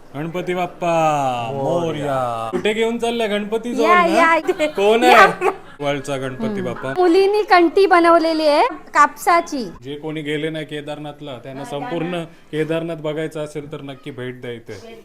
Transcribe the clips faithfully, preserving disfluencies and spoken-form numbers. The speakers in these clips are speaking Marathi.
गणपती बाप्पा मोरया. कुठे घेऊन चाललाय गणपती या, जवळ या. ना? कोण आहे वळचा गणपती बाप्पा? मुलींनी कंठी बनवलेली आहे कापसाची. जे कोणी गेले नाही केदारनाथला त्यांना संपूर्ण केदारनाथ बघायचं असेल तर नक्की भेट द्या इथे.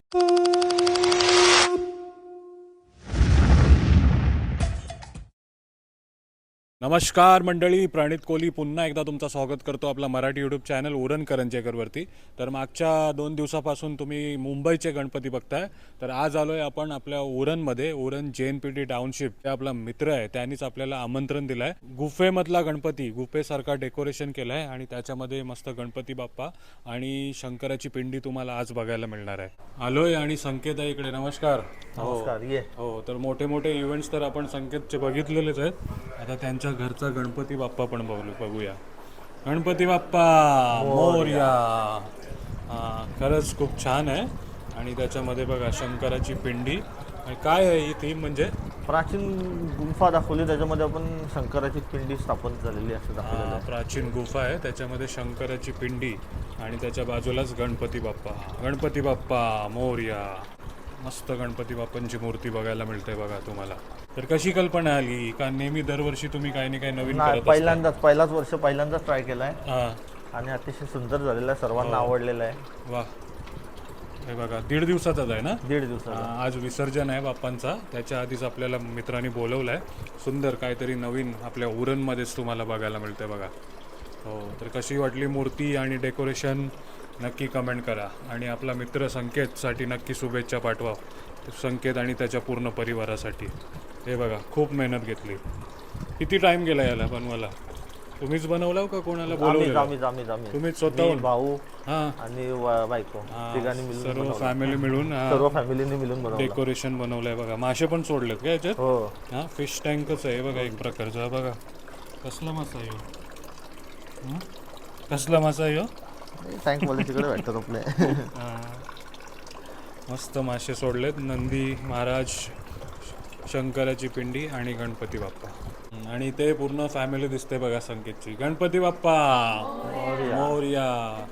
नमस्कार मंडळी, प्रणित कोहली पुन्हा एकदा तुमचं स्वागत करतो आपला मराठी यूट्यूब चॅनल उरण करंजेकरवरती. तर मागच्या दोन दिवसापासून तुम्ही मुंबईचे गणपती बघताय, तर आज आलोय आपण आपल्या उरणमध्ये. उरण जे एन पी टी टाउनशिप ते आपला मित्र आहे, त्यांनीच आपल्याला आमंत्रण दिलंय. गुफेमधला गणपती, गुफेसारखा डेकोरेशन केलंय आणि त्याच्यामध्ये मस्त गणपती बाप्पा आणि शंकराची पिंडी तुम्हाला आज बघायला मिळणार आहे. आलोय आणि संकेत आहे इकडे. नमस्कार. नमस्कार. ये हो, तर मोठे मोठे इव्हेंट्स तर आपण संकेतचे बघितलेलेच आहेत. आता त्यांच्या घरचा गणपती बाप्पा पण बघू बघूया. गणपती बाप्पा मोरया. हा, खरंच खूप छान आहे. आणि त्याच्यामध्ये बघा शंकराची पिंडी. आणि काय आहे ही थीम? म्हणजे प्राचीन गुंफा दाखवली, त्याच्यामध्ये आपण शंकराची पिंडी स्थापन झालेली असं दाखवलेलं आहे. प्राचीन गुफा आहे, त्याच्यामध्ये शंकराची पिंडी आणि त्याच्या बाजूलाच गणपती बाप्पा. गणपती बाप्पा मोरया. मस्त गणपती बाप्पांची मूर्ती बघायला मिळते बघा तुम्हाला. तर कशी कल्पना आली? का नेहमी दरवर्षी तुम्ही काही ना काही नवीन नाही, करत असता? पहिल्यांदाच पहिलाच वर्ष पहिल्यांदाच ट्राय केलाय हा, आणि अतिशय सुंदर झालेला आहे, सर्वांना आवडलेला आहे. वा. हे बघा दीड दिवसाचाच आहे ना? दीड दिवसाचा. हा, आज विसर्जन आहे बाप्पांचा. त्याच्या आधीच आपल्याला मित्रांनी बोलवलं आहे. सुंदर काहीतरी नवीन आपल्या उरणमध्येच तुम्हाला बघायला मिळते बघा. हो, तर कशी वाटली मूर्ती आणि डेकोरेशन नक्की कमेंट करा. आणि आपला मित्र संकेतसाठी नक्की शुभेच्छा पाठवा, संकेत आणि त्याच्या पूर्ण परिवारासाठी. हे बघा खूप मेहनत घेतली. किती टाइम गेला याला बनवायला? तुम्हीच बनवला का कोणाला आम्हीच बोलवलं? आम्हीच आम्हीच आम्ही तुम्हीच स्वतःहून? भाऊ हां, आणि वा- बायको तिघांनी मिळून सर्व बनवलं. फॅमिली मिळून हा, सर्व फॅमिलीने मिळून बनवलं. डेकोरेशन बनवलंय बघा. मासे पण सोडलेत का याच्यात? हो, हा, फिश टँकच आहे बघा एक प्रकारचा. बघा कसला मासा आहे ह्यो? हं? कसला मासा आहे ह्यो? टँक वाले तिकडे भेटतात आपले. हा. मस्त मासे सोडलेत. नंदी महाराज, शंकराची पिंडी आणि गणपती बाप्पा. हं, आणि ते पूर्ण फॅमिली दिसते बघा संकेतची. गणपती बाप्पा मोरया.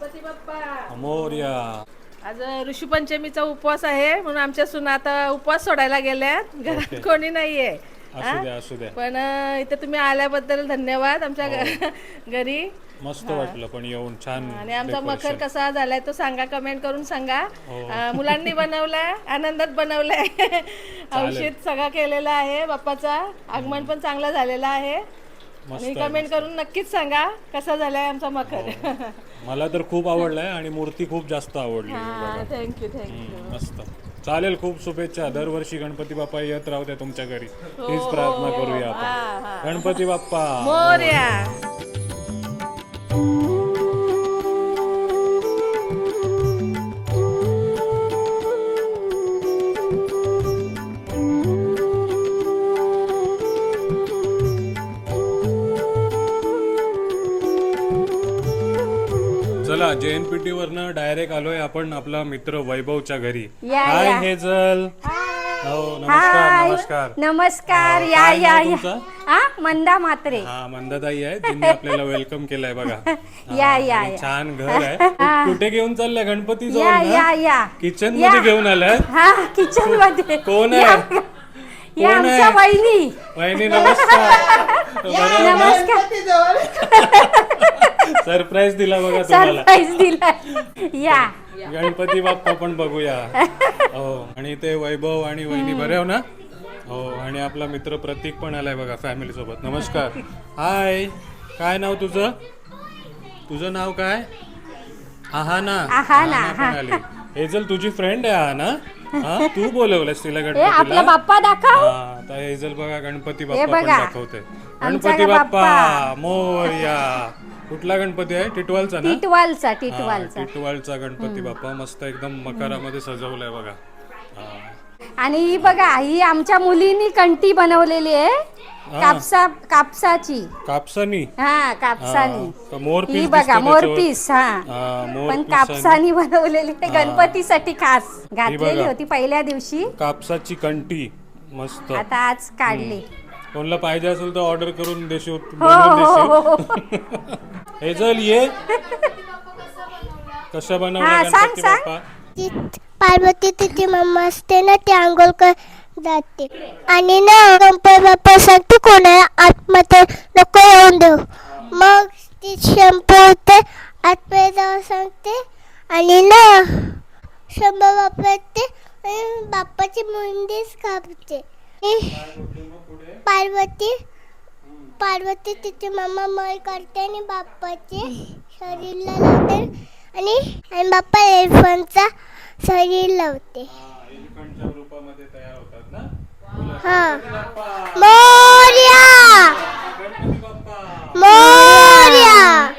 मोरया. आज ऋषीपंचमीचा उपवास आहे म्हणून आमच्या सुना आता उपवास सोडायला गेल्यात. घरात कोणी नाहीये, असू द्या असू द्या. पण अं, इथे तुम्ही आल्याबद्दल धन्यवाद आमच्या घ- घरी. मस्त वाटलं पण येऊन. छान. आणि आमचा मखर decoration. कसा झालाय तो सांगा, कमेंट करून सांगा. अं, मुलांनी बनवलाय, आनंदात बनवलाय. औषध सगळा केलेला आहे. बाप्पाचा आगमन पण चांगला झालेला आहे. आणि कमेंट करून नक्कीच सांगा कसा झालाय आमचा मखर. मला तर खूप आवडलाय आणि मूर्ती खूप जास्त आवडली. Thank you thank you. मस्त. चालेल, खूप शुभेच्छा. दरवर्षी गणपती बाप्पा येत राहू द्या तुमच्या घरी, हीच प्रार्थना करूया आपण. गणपती बाप्पा मोरया. चला, जे एन पी टी वरनं डायरेक्ट आलोय आपण आपला मित्र वैभवच्या घरी. या, हाय या. हेजल. हो, नमस्कार हाय, नमस्कार. नमस्कार. हा, या काय या नाव या. तुमचं? हा, मंदा म्हात्रे. हा, मंदाताई आहे, तिने आपल्याला वेलकम केलंय बघा. हा, या, या, आणि या. छान घर आहे. कुठे घेऊन चाललंय गणपती या जवळ या ना? या. किचन या. मध्ये घेऊन आलाय? हा, किचन मध्ये. कोण या, आहे? या कोण आमच्या आहे? वहिनी. वहिनी नमस्कार. नमस्कार. सरप्राईज दिला बघा तुम्हाला. सरप्राईज दिला. या. गणपती बाप्पा पण बघूया. हो, आणि ते वैभव आणि वहिनी बरे हो ना? हो, आणि आपला मित्र प्रतीक पण आलाय बघा फॅमिली सोबत. नमस्कार. हाय, काय नाव तुझं? तुझं नाव काय? आहाना. आहाना, आहाना पण आली. हेजल तुझी फ्रेंड आहे आहाना? हा, तू बोलवलंस तिला हे आपला गणपतीला? बाप्पा दाखव. हा, आता हेजल बघा गणपती बाप्पा पण बघा. दाखवते. आमचा गणपती बाप्पा बाप्पा. मोरया. कुठला गणपती आहे? टिटवालचा ना? टिटवालचा हा, टिटवालचा. टिटवाळचा गणपती बाप्पा मस्त एकदम मकरामध्ये सजवलाय बघा. हा. आणि ही बघा, ही आमच्या मुलींनी कंठी बनवलेली आहे कापसा कापसाची. कापसानी? हा, कापसानी. हा, मोरपीस ही दिसतं बघा त्याच्यावर. मोरपीस. हा, हा, पण मोरपीस कापसानी बनवलेली आहे. गणपतीसाठी खास घातलेली बघा. होती पहिल्या दिवशी. कापसाची कंठी मस्त. आता आज काढली. कोणाला पाहिजे असेल तर ऑर्डर करून देशील, हो बनवून हो हो. देशील. हेजल ये. कसं बनवलं हा, सांग गणपती सांग. बाप्पा? पार्वती तिची मम्मा असते ना ती आंघोळ कर जाते आणि ना गणपती बाप्पा सांगते कोणाला आतमध्ये नको येऊन देऊ. मग ती शंभू होते आतमध्ये जाऊन सांगते आणि ना शंभू बाप्पा येते आणि बाप्पाची मुंडीच कापते. पार्वती पार्वती तिची मम्मा मय करते आणि बाप्पाचे शरीरला लावते आणि आणि बाप्पा एलिफंटचा शरीर लावते. एलिफंटच्या रूपामध्ये तयार होतात ना. हा मोरया गणपती बाप्पा मोरया.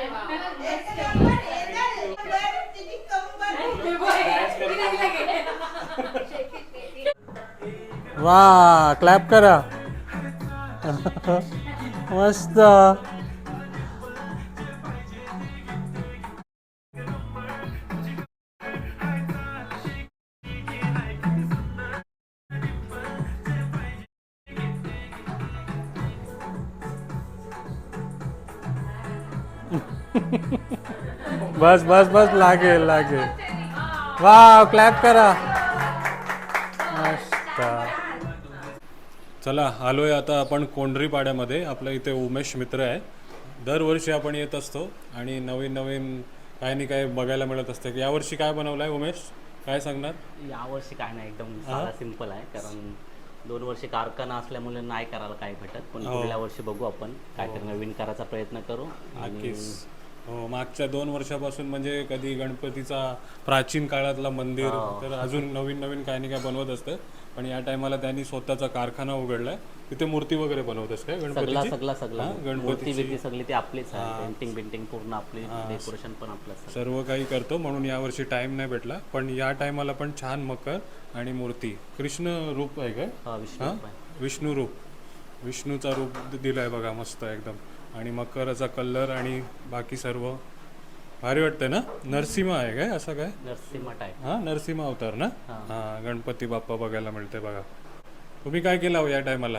वा क्लॅप करा. मस्त. बस बस बस लागेल लागेल. वा क्लॅप करा. मस्त. चला आलोय आता आपण कोंढरी पाड्यामध्ये. आपल्या इथे उमेश मित्र आहे. दरवर्षी आपण येत असतो आणि नवीन नवीन काही नाही काय बघायला मिळत असते. यावर्षी काय बनवलंय उमेश, काय सांगणार? यावर्षी काय नाही, एकदम साधा सिंपल आहे. कारण दोन वर्षी कारखाना असल्यामुळे नाही करायला काय भेटत, पण पुढल्या वर्षी बघू आपण काहीतरी नवीन करायचा प्रयत्न करू. आणि हो, मागच्या दोन वर्षापासून म्हणजे कधी गणपतीचा प्राचीन काळातला मंदिर तर अजून नवीन नवीन काही नाही काय बनवत असतं. पण या टायमाला त्यांनी स्वतःचा कारखाना उघडलाय. तिथे मूर्ती वगैरे बनवत असते सगळा गणपतीची. सगळा सगळा गणपती मूर्ती बिर्ती सगळी ती आपलीच आहे. पेंटिंग बिंटिंग पूर्ण आपली, डेकोरेशन पण आपलं सर्व काही करतो. म्हणून यावर्षी टाइम नाही भेटला. पण या टायमाला पण छान मकर आणि मूर्ती. कृष्ण रूप आहे काय? विष्णू हा विष्णू रूप, विष्णूचा रूप दिलाय बघा मस्त एकदम. आणि मकराचा कलर आणि बाकी सर्व भारी वाटतंय ना. नरसिंह आहे काय असं काय? नरसिंह आहे. हा नरसिंह अवतार ना. हा गणपती बाप्पा बघायला मिळते बघा. तुम्ही काय केलं हो या टायमाला?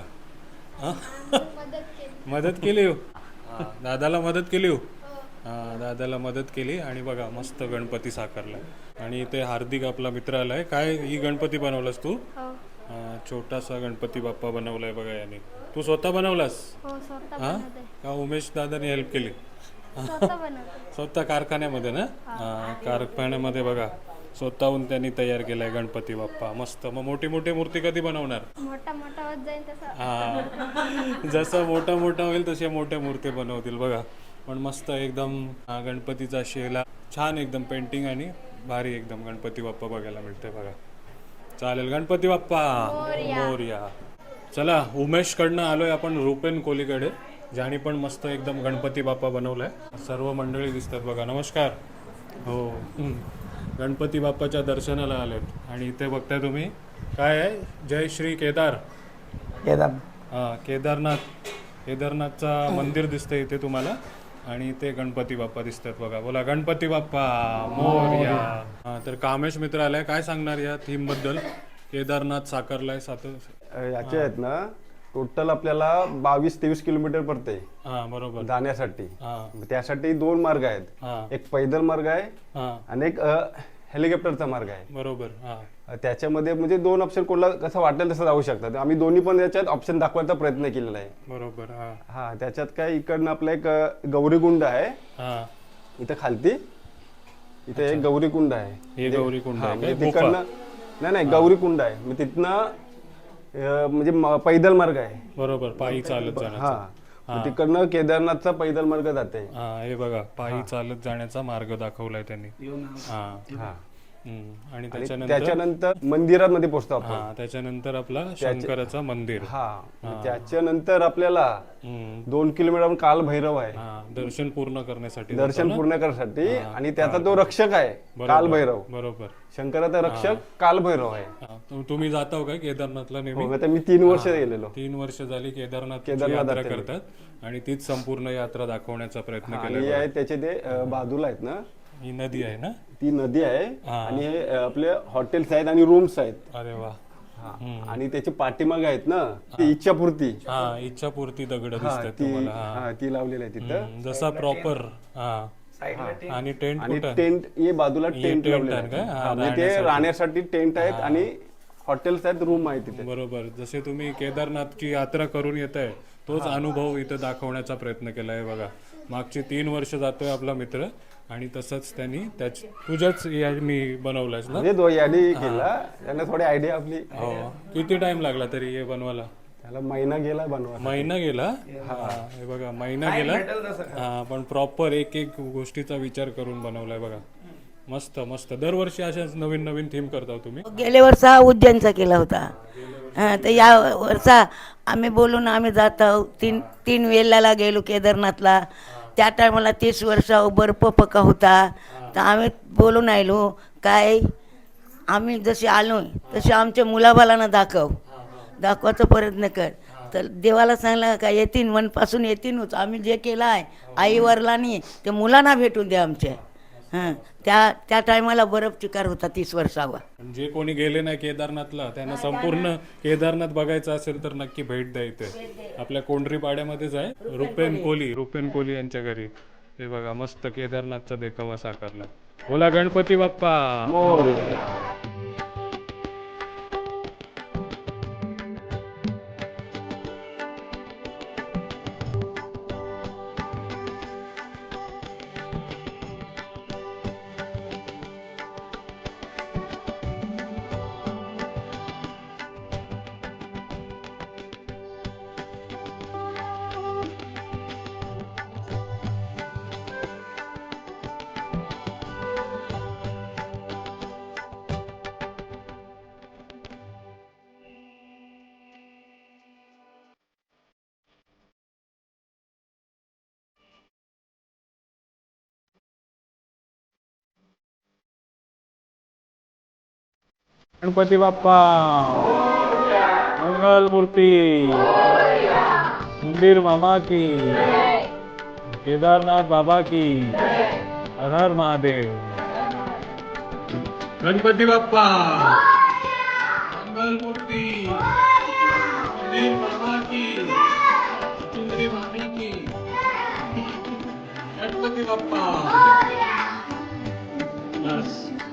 मदत केली हो. दादाला मदत केली हो. हा दादाला मदत केली आणि बघा मस्त गणपती साकारलाय. आणि इथे हार्दिक आपला मित्र आलाय. काय ही गणपती बनवलास तू? हा, छोटासा गणपती बाप्पा बनवलाय बघा याने. तू स्वतः बनवलास? हा का उमेश दादाने हेल्प केली? स्वतः कारखान्यामध्ये ना. हा कारखान्यामध्ये बघा स्वतःहून त्यांनी तयार केलाय गणपती बाप्पा मस्त. मग मोठी मोठी मूर्ती कधी बनवणार? मोठा मोठा होत जाईल तसा. हा जसं मोठा मोठा होईल तसे मोठ्या मूर्ती बनवतील बघा. पण मस्त एकदम गणपतीचा शेला छान एकदम पेंटिंग आणि भारी एकदम गणपती बाप्पा बघायला मिळते बघा. चालेल गणपती बाप्पा मोरया. चला उमेशकडनं आलोय आपण रुपेन कोलीकडे, ज्याने पण मस्त एकदम गणपती बाप्पा बनवलाय. सर्व मंडळी दिसतात बघा. नमस्कार. हो गणपती बाप्पाच्या दर्शनाला आलेत. आणि इथे बघताय तुम्ही काय आहे? जय श्री केदार केदार हा केदारनाथ केदारनाथचा मंदिर दिसतंय इथे तुम्हाला. आणि इथे गणपती बाप्पा दिसतात बघा. बोला गणपती बाप्पा मोरया. हा तर कामेश मित्र आलाय. काय सांगणार या थीम बद्दल? केदारनाथ साकारलाय सात याचे आहेत ना. टोटल आपल्याला बावीस तेवीस किलोमीटर पडते हा बरोबर जाण्यासाठी. हा त्यासाठी दोन मार्ग आहेत. हा एक पैदल मार्ग आहे हा आणि एक हेलिकॉप्टरचा मार्ग आहे. बरोबर. हा त्याच्यामध्ये म्हणजे दोन ऑप्शन कोणाला कसं वाटेल तसं जाऊ शकतात. आम्ही दोन्ही पण याच्यात ऑप्शन दाखवायचा प्रयत्न केलेला आहे. बरोबर. हा हा त्याच्यात काय इकडनं आपलं एक अ, गौरीकुंड आहे. हा इथं खालती इथे एक गौरीकुंड आहे. हे गौरी कुंड हा, आहे काय? म्हणजे गुफा. तिकडनं नाही नाही गौरीकुंड आहे. मग तिथनं अ, म्हणजे म- पैदल मार्ग आहे. बरोबर पायी चालत हा जाण्याचा. मग तिकडनं केदारनाथचा पैदल मार्ग जाते. हा हे बघा पायी चालत जाण्याचा मार्ग दाखवलाय त्यांनी. हा हा हम्म. आणि आणि त्याच्यानंतर त्याच्यानंतर मंदिरामध्ये पोहोचतो आपण. हा त्याच्यानंतर आपला शंकराचं मंदिर. हा मग त्याच्यानंतर आपल्याला हम्म. दोन किलोमीटर काल भैरव आहे. हा दर्शन पूर्ण करण्यासाठी दर्शन पूर्ण करण्यासाठी. आणि त्याचा तो रक्षक आहे काल भैरव. बरोबर. शंकराचा रक्षक काल भैरव आहे. हा, तु- तुम्ही जाता का केदारनाथला नेहमी? हो, आता मी तीन वर्ष गेलेलो. तीन वर्ष झाली केदारनाथ केदारनाथ यात्रा जाते मी. करतात आणि तीच संपूर्ण यात्रा दाखवण्याचा प्रयत्न आणि केला. आहे त्याचे ते अ, बाजूला आहेत ना. ही नदी आहे ना. ती नदी आहे हा. आणि हे अ, आपले हॉटेल्स आहेत आणि रूम्स आहेत. अरे वा. हा. आणि त्याचे पाठीमागे आहेत ना ती इच्छापूर्ती. हा इच्छापूर्ती दगड हा दिसतात ती तुम्हाला. हा हा ती लावलेली आहे तिथं. हम्म, जसा प्रॉपर. हा आणि टेंट आणि कुठं टेंट हे बाजूला हे टेंट tent लावलेलं आहे आहे. का? हा, हा, म्हणजे ते राहण्यासाठी. राहण्यासाठी टेंट आहेत आणि हॉटेल्स आहेत, रूम आहे तिथे. बरोबर. जसे तुम्ही केदारनाथची यात्रा करून येत आहे तोच अनुभव इथं दाखवण्याचा प्रयत्न केला आहे बघा. मागची तीन वर्ष जातोय आपला मित्र आणि तसंच त्यांनी त्याच तुझ्याच यांनी बनवलंयस ना. म्हणजे दो यादी केला त्यांना थोडी आयडिया आपली. हो. किती टाइम लागला तरी हे बनवायला? त्याला महिना गेला बनवा. महिना गेला. हा हे बघा महिना गेला. हा पण प्रॉपर एक एक गोष्टीचा विचार करून बनवलाय बघा. मस्त मस्त. दरवर्षी अशाच नवीन नवीन थीम करता तुम्ही? गेल्या वर्षा उज्जैनचा केला होता. हां, तर या वर्षा आम्ही बोलून आम्ही जात आहोत. तीन तीन वेळेला गेलो केदारनाथला. त्या टायमाला तीस वर्ष बर्फ पका होता. तर आम्ही बोलून आलो काय आम्ही जसे आलो तसे आमच्या मुलाबालांना दाखव दाखवायचा प्रयत्न कर. तर देवाला सांगला का येतीन मनपासून येतीनच. आम्ही जे केलं आहे आई वडिलांनी ते मुलांना भेटून द्या आमच्या. हां, त्या त्या टायमाला बर्फ चिकार होता तीस वर्षावर. जे कोणी गेले नाही केदारनाथला त्यांना संपूर्ण केदारनाथ बघायचं असेल तर नक्की भेट द्या इथे. आपल्या कोंढरी पाड्यामध्येच आहे. रुपेन कोहली रुपेन कोहली यांच्या घरी हे बघा मस्त केदारनाथचा देखावा साकारला. बोला गणपती बाप्पा. गणपती बाप्पा मंगल मूर्ती मंदिर मामा की केदारनाथ बाबा की हर हर महादेव. गणपती बाप्पा मंगल मूर्ती मंदिर मामा की सुंदरी मामी की गणपती बाप्पा. बस.